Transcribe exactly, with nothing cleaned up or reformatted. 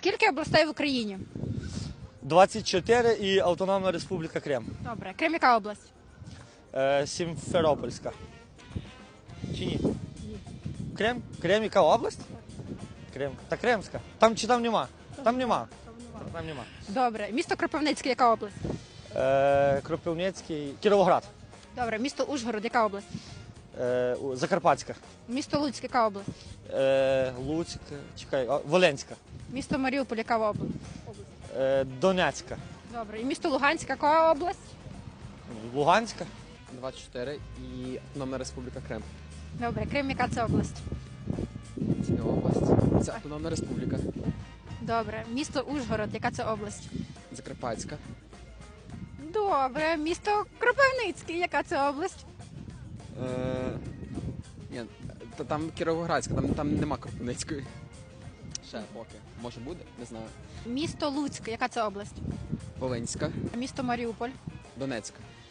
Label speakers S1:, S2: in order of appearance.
S1: Скільки областей в Україні?
S2: двадцять чотири і Автономна Республіка Крим.
S1: Добре. Крим яка область?
S2: Е, Сімферопольська. Чи ні? Крим? Крим яка область? Крим. Та Кримська. Там чи там нема? Там нема. Там нема.
S1: Добре. Місто Кропивницький яка область?
S2: Е, Кропивницький. Кіровоград.
S1: Добре. Місто Ужгород яка область?
S2: Е, у- Закарпатська.
S1: Місто Луцьк яка область?
S2: Е, Луцьк. Чекай. а, Волинська.
S1: Місто Маріуполь яка область?
S2: Е, Донецька.
S1: Добре. І місто Луганськ яка область?
S2: Луганська.
S3: двадцять чотири і Автономна Республіка Крим.
S1: Добре. Крим яка це область?
S3: Це не область. Це Автономна Республіка.
S1: Добре. Місто Ужгород яка це область?
S3: Закарпатська.
S1: Добре. Місто Кропивницький яка це область?
S3: Е... Ні, та там Кіровоградська, там, там нема Кропивницької. Ще поки. Може буде, не знаю.
S1: Місто Луцьк яка це область?
S3: Волинська.
S1: Місто Маріуполь.
S3: Донецька.